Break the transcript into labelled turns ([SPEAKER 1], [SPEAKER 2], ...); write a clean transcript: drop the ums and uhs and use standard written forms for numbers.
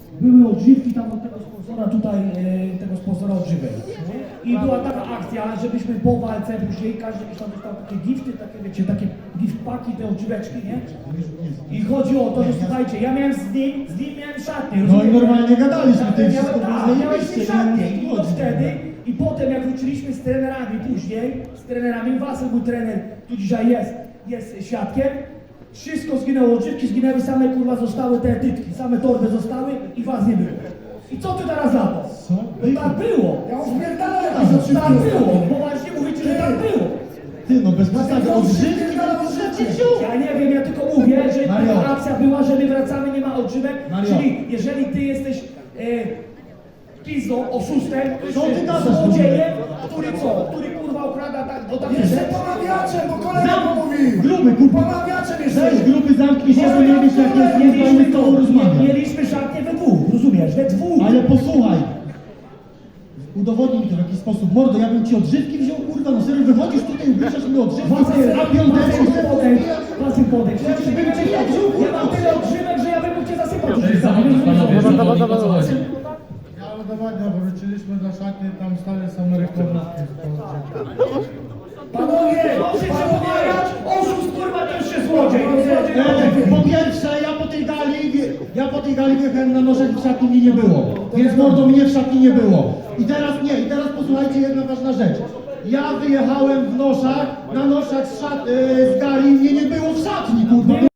[SPEAKER 1] były odżywki tam od tego sponsora tutaj, tego sponsora odżywek. I była taka akcja, żebyśmy po walce później każdy gdzieś tam dostał takie gifty, takie wiecie, takie gift paki, te odżyweczki, nie? I chodzi o to, że słuchajcie, ja miałem z nim miałem szatnię.
[SPEAKER 2] No i normalnie gadaliśmy, ty wszystko
[SPEAKER 1] miałeś szatnię i to wtedy, i potem jak wróciliśmy z trenerami później, Wasyl, mój trener, tu dzisiaj jest świadkiem, wszystko zginęło, odżywki zginęły, same kurwa zostały te etytki, same torby zostały i was nie było. I co ty teraz za to?
[SPEAKER 2] Co?
[SPEAKER 1] No tak było.
[SPEAKER 3] Ja uśmierdalałem
[SPEAKER 1] Tak było, bo właśnie mówicie, że tak było.
[SPEAKER 2] Ty, no bez przesady, odżywki,
[SPEAKER 1] Ja nie wiem, ja tylko mówię, że
[SPEAKER 2] Mario.
[SPEAKER 1] taka akcja była, że my wracamy, nie ma odżywek,
[SPEAKER 2] Mario.
[SPEAKER 1] czyli jeżeli ty jesteś pizdą, oszustem,
[SPEAKER 2] Co ty gadasz?
[SPEAKER 1] złodziejem, który kurwa okrada tak, do takich
[SPEAKER 3] Jeszcze
[SPEAKER 1] rzeczy.
[SPEAKER 3] pomawiaczem, bo kolega mówił.
[SPEAKER 2] Gruby, kurwa.
[SPEAKER 3] Pomawiaczem jeszcze.
[SPEAKER 2] Weź gruby, zamknij się, bo nie wiesz jak jest niezbędny z tobą rozmawiać.
[SPEAKER 1] Mieliśmy szatnię we dwóch, rozumiesz, we dwóch.
[SPEAKER 2] Ale posłuchaj. Udowodnij mi to w jakiś sposób. Mordo, ja bym ci odżywki wziął, kurwa, no serio, wychodzisz tutaj i bierzesz mi odżywki, a piąteczki
[SPEAKER 1] Wasyl podejdź. Przecież bym cię nie wziął, ja mam tyle odżywek, że ja bym mógł cię zasypać.
[SPEAKER 4] Ja udowadniam, bo wróciliśmy do szatni, tam stale są reklamówki.
[SPEAKER 1] Panowie, proszę się pomawiać, oszust kurwa to już się złodziej.
[SPEAKER 2] Po pierwsze, ja po tej gali wjechałem na nożach i w szatni mnie nie było. Więc mordo, mnie w szatni nie było. I teraz posłuchajcie, jedna ważna rzecz. Ja wyjechałem w noszach, na noszach z gali, mnie nie było w szatni, kurwa.